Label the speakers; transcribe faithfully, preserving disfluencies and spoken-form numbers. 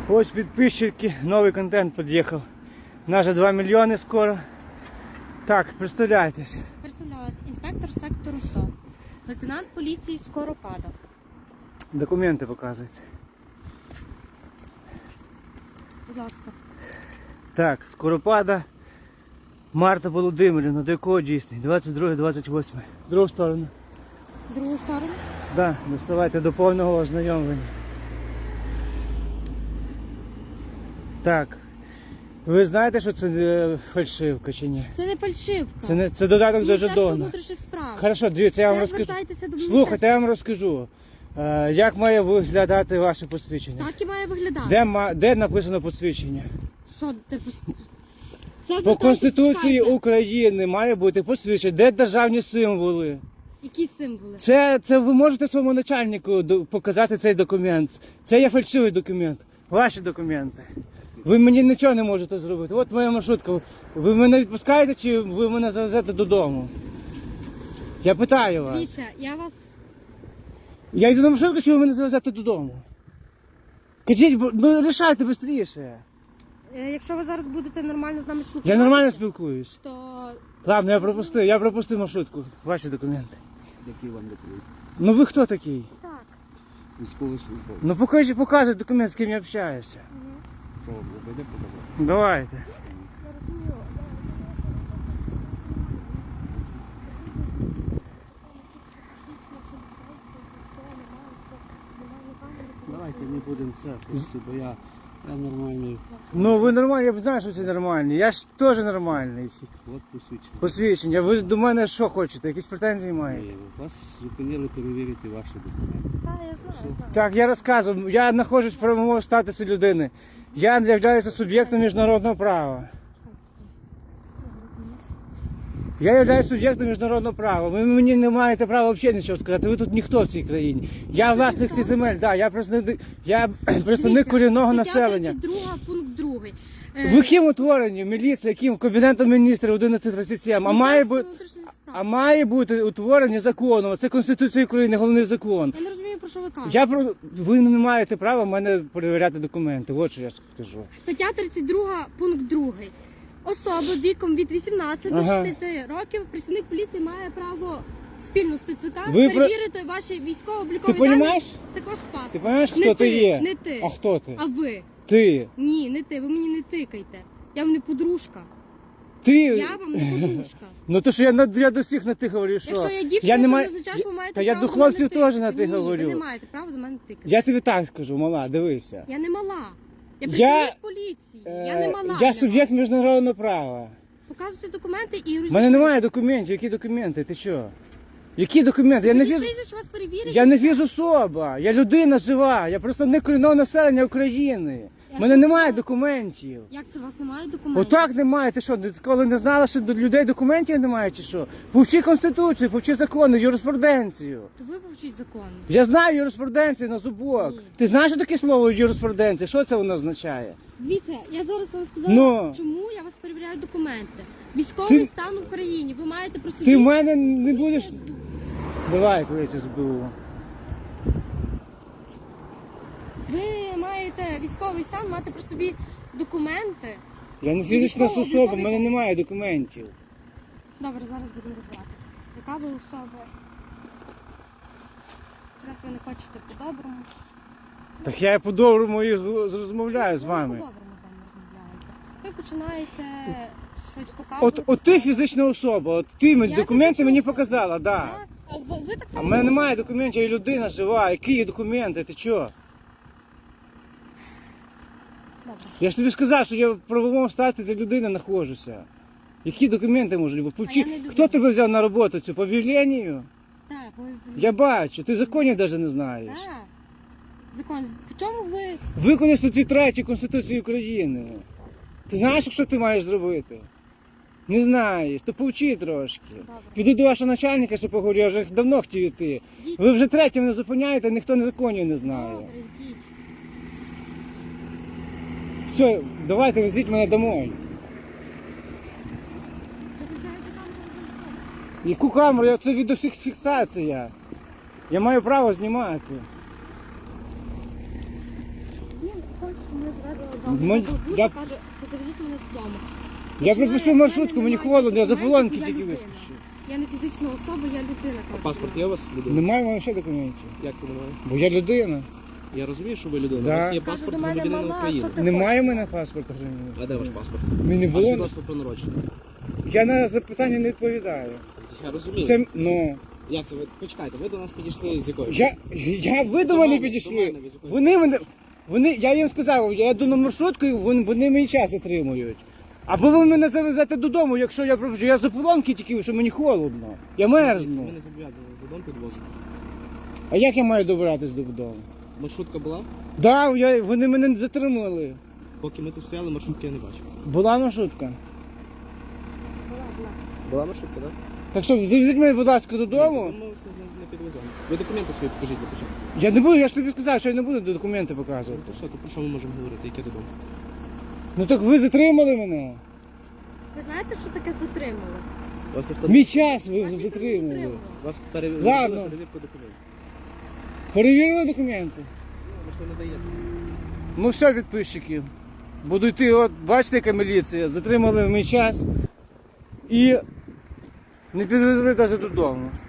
Speaker 1: Ось підписчики, новий контент під'їхав. Наже два мільйони скоро. Так, представляйтесь.
Speaker 2: Представлялась інспектор сектору СО, лейтенант поліції Скоропадов.
Speaker 1: Документи показуйте.
Speaker 2: Будь ласка.
Speaker 1: Так, Скоропада Марта Володимирівна, до якого дійсний? двадцять друге двадцять восьме. Другу сторону.
Speaker 2: Другу сторону.
Speaker 1: Так, да, доставайте до повного ознайомлення. Так. Ви знаєте, що це е, фальшивка чи ні?
Speaker 2: Це не фальшивка.
Speaker 1: Це, не, це додаток до
Speaker 2: Міністерство
Speaker 1: жетона.
Speaker 2: внутрішніх справ.
Speaker 1: Хорошо, дивіться, я вам
Speaker 2: Це
Speaker 1: розкажу.
Speaker 2: звертайтеся до
Speaker 1: Слухайте, я вам розкажу. Е, як має виглядати ваше посвідчення?
Speaker 2: Так і має виглядати.
Speaker 1: Де, ма- де написано посвідчення?
Speaker 2: Що ти пос- Це
Speaker 1: По
Speaker 2: звертайтеся,
Speaker 1: Конституції
Speaker 2: чекайте.
Speaker 1: України має бути посвідчення. Де державні символи?
Speaker 2: Які символи?
Speaker 1: Це, це ви можете своєму начальнику до- показати цей документ. Це є фальшивий документ. Ваші документи. Ви мені нічого не можете зробити. От моя маршрутка. Ви мене відпускаєте чи ви мене завезете додому? Я питаю вас.
Speaker 2: Дивіться, я вас...
Speaker 1: Я йду на маршрутку, чи ви мене завезете додому? Кажіть, бо- ну рішайте швидше.
Speaker 2: Е, Якщо ви зараз будете нормально з нами спілкуватися,
Speaker 1: Я нормально спілкуюсь.
Speaker 2: то...
Speaker 1: Ладно, я пропустив, я пропустив маршрутку. Ваші документи.
Speaker 3: Які вам документи?
Speaker 1: Ну ви хто такий?
Speaker 2: Так.
Speaker 3: Військовий службовець.
Speaker 1: Ну покажи, покажи документ, з ким я общаюся.
Speaker 3: Що вам буде показати?
Speaker 1: Давайте.
Speaker 3: Давайте не будемо це, просто, бо я, я нормальний.
Speaker 1: Ну ви нормальні, я знаю, що це нормальні. Я ж теж нормальний.
Speaker 3: От посвідчення.
Speaker 1: Посвідчення. Ви до мене що хочете? Якісь претензії маєте?
Speaker 3: Ні, Вас зупинили перевірити ваші документи.
Speaker 2: Так, я знаю. знаю.
Speaker 1: Так, я розказую. Я знаходжусь в правовому статусі людини. Я являюся суб'єктом міжнародного права. Я являюсь суб'єктом міжнародного права. Ви мені не маєте права взагалі нічого сказати. Ви тут ніхто в цій країні. Я власник цих земель, да, я представник, я представник
Speaker 2: Дивіться,
Speaker 1: корінного
Speaker 2: стаття
Speaker 1: населення.
Speaker 2: тридцять два, пункт другий.
Speaker 1: Ви ким утворені? Міліція, яким? Кабінетом міністрів одинадцять тридцять сім. А має бути... А має бути утворені законом. Це Конституція України, головний закон.
Speaker 2: Я не розумію, про що ви кажете.
Speaker 1: Я про ви не маєте права в мене перевіряти документи. От що я скажу.
Speaker 2: Стаття тридцять два, пункт другий. Особа віком від вісімнадцяти до
Speaker 1: Ага.
Speaker 2: шістдесяти років, працівник поліції має право спільно з ТЦК
Speaker 1: Ви про-
Speaker 2: перевірити ваші військово-облікові
Speaker 1: Ти
Speaker 2: дані,
Speaker 1: понімаєш?
Speaker 2: також паспорт.
Speaker 1: Ти розумієш, хто
Speaker 2: Не
Speaker 1: ти
Speaker 2: ти,
Speaker 1: є?
Speaker 2: не ти.
Speaker 1: А хто ти?
Speaker 2: А ви?
Speaker 1: Ти.
Speaker 2: Ні, не ти, ви мені не тикайте. Я вам не подружка.
Speaker 1: Ти.
Speaker 2: Я вам не подружка.
Speaker 1: Ну то що я на я до всіх на ти говорю, що
Speaker 2: Якщо я дівчина,
Speaker 1: не
Speaker 2: це
Speaker 1: маю-
Speaker 2: не означає, що ви маєте
Speaker 1: Та я
Speaker 2: право
Speaker 1: до
Speaker 2: до мене
Speaker 1: хлопців
Speaker 2: тикати.
Speaker 1: теж на ти
Speaker 2: Ні,
Speaker 1: говорю.
Speaker 2: ви не маєте права до мене тикати.
Speaker 1: Я тобі так скажу, мала, дивися.
Speaker 2: Я не мала. Я
Speaker 1: Я-
Speaker 2: працівник поліції. Я не
Speaker 1: Е,
Speaker 2: мала.
Speaker 1: Я
Speaker 2: для
Speaker 1: суб'єкт
Speaker 2: вас.
Speaker 1: міжнародного права.
Speaker 2: Показуйте документи і
Speaker 1: У мене
Speaker 2: розійшлися.
Speaker 1: немає документів. Які документи? Ти що? Які документи? Я не
Speaker 2: Скажіть
Speaker 1: фіз...
Speaker 2: прізвище, вас перевірять.
Speaker 1: Я не фізособа, я людина жива, я представник корінного населення України.
Speaker 2: Я
Speaker 1: У мене
Speaker 2: що
Speaker 1: немає
Speaker 2: сказала?
Speaker 1: документів.
Speaker 2: Як це у вас немає документів?
Speaker 1: Отак немає. Ти що, коли не знала, що до людей документів немає чи що? Повчи Конституцію, повчи закони, юриспруденцію.
Speaker 2: То ви повчіть закон.
Speaker 1: Я знаю юриспруденцію на зубок.
Speaker 2: Ні.
Speaker 1: Ти знаєш що таке слово юриспруденція? Що це воно означає?
Speaker 2: Дивіться, я зараз вам сказала,
Speaker 1: Ну.
Speaker 2: чому я вас перевіряю документи. Військовий
Speaker 1: Ти-
Speaker 2: стан в Україні. Ви маєте про собі...
Speaker 1: Ти в мене не будеш. Давай, коли ес бе у.
Speaker 2: Ви маєте військовий стан, мати при собі документи.
Speaker 1: Я не фізична
Speaker 2: Військово-
Speaker 1: особа, в
Speaker 2: облікові-
Speaker 1: мене немає документів.
Speaker 2: Добре, зараз будемо розбиратися. Яка ви особа? Раз ви не хочете по-доброму.
Speaker 1: Так я по-доброму і розмовляю з
Speaker 2: Ви
Speaker 1: вами.
Speaker 2: по-доброму з нами розмовляєте. Ви починаєте щось
Speaker 1: От,
Speaker 2: показувати.
Speaker 1: от ти фізична особа, от ти мені
Speaker 2: Я
Speaker 1: документи
Speaker 2: фізична
Speaker 1: мені
Speaker 2: особа.
Speaker 1: показала, да.
Speaker 2: Так. А ви, ви так
Speaker 1: А
Speaker 2: само...
Speaker 1: в мене немає документів, я людина жива. Які є документи? Ти чого?
Speaker 2: Добре.
Speaker 1: Я ж тобі сказав, що я в правовому статусі людини знаходжуся. Які документи можуть бути? Повчи-
Speaker 2: А я не людина.
Speaker 1: Хто тебе взяв на роботу цю? По об'явленню?
Speaker 2: Так, ви...
Speaker 1: Я бачу, ти законів навіть не знаєш.
Speaker 2: Так. Закон. В чому ви...
Speaker 1: Виконай статтю третю Конституції України. Ти знаєш, що ти маєш зробити? Не знаєш, то повчи трошки.
Speaker 2: Добре.
Speaker 1: Піду до вашого начальника, що поговорю, я вже давно хотів йти.
Speaker 2: Йдіть.
Speaker 1: Ви вже третє мене зупиняєте, ніхто не законів не знає.
Speaker 2: Добре, йдіть.
Speaker 1: Все, давайте везіть мене домой. Яку камеру? Я- Це відеофіксація. Я маю право знімати.
Speaker 2: Він хоче, щоб ми вам
Speaker 1: Ми-
Speaker 2: буса,
Speaker 1: я-
Speaker 2: каже, завезіть мене додому.
Speaker 1: Я
Speaker 2: Починає,
Speaker 1: пропустив
Speaker 2: в мене
Speaker 1: маршрутку, мені
Speaker 2: немає
Speaker 1: холодно, я за
Speaker 2: документів,
Speaker 1: полонки
Speaker 2: я
Speaker 1: тільки
Speaker 2: людина.
Speaker 1: вискочив.
Speaker 2: Я не фізична особа, я людина.
Speaker 4: А
Speaker 2: кажу.
Speaker 4: паспорт є у вас? Людина?
Speaker 1: Немає в мене ще документів.
Speaker 4: Як це немає?
Speaker 1: Бо я людина.
Speaker 4: Я розумію, що ви людина.
Speaker 1: Да.
Speaker 4: У вас є
Speaker 2: Каже,
Speaker 4: паспорт
Speaker 2: до мене
Speaker 4: громадянина
Speaker 2: мала,
Speaker 4: України.
Speaker 2: що ти
Speaker 1: Немає в
Speaker 2: хочеш?
Speaker 1: мене паспорта громадянина.
Speaker 4: А де ваш паспорт?
Speaker 1: Мені не
Speaker 4: А
Speaker 1: було.
Speaker 4: свідоцтво про народження?
Speaker 1: Я на запитання не відповідаю.
Speaker 4: Я розумію.
Speaker 1: Це, ну,
Speaker 4: Як це? Ви почекайте, ви до нас підійшли з якою?
Speaker 1: я, я, ви до
Speaker 4: До
Speaker 1: мене
Speaker 4: мене,
Speaker 1: підійшли.
Speaker 4: до мене, ви з якою?
Speaker 1: Вони мене, вони, я їм сказав, я йду на маршрутку, і вони, вони мені час затримують. Або ви мене завезете додому, якщо я пропущу. Я за полонки тільки, що мені холодно. Я
Speaker 4: Ми
Speaker 1: мерзну.
Speaker 4: не зобов'язані додому підвозити.
Speaker 1: А як я маю добиратись додому?
Speaker 4: Маршрутка була?
Speaker 1: Да, я, вони мене затримали.
Speaker 4: Поки ми тут стояли, маршрутки я не бачив.
Speaker 1: Була маршрутка.
Speaker 2: Була, була.
Speaker 4: Була маршрутка, так?
Speaker 1: Так що завезіть мене, будь ласка, додому.
Speaker 4: Ми вас не- не підвеземо. Ви документи свої покажіть для початку.
Speaker 1: Я не буду, я ж тобі сказав, що я не буду документи показувати.
Speaker 4: То все, то про що ми можемо говорити? Яке додому?
Speaker 1: Ну так ви затримали мене.
Speaker 2: Ви знаєте, що таке затримали?
Speaker 4: Вас ніхто
Speaker 1: Мій час ви
Speaker 2: Вас ніхто не
Speaker 1: затримали.
Speaker 2: затримував.
Speaker 4: Вас перевірили
Speaker 1: Ладно.
Speaker 4: перевірку документів.
Speaker 1: Перевірили документи.
Speaker 4: Ви ж не надаєте.
Speaker 1: Ну все, підписчики. Буду йти, от бачите, яка міліція. Затримали мій час і не підвезли навіть додому.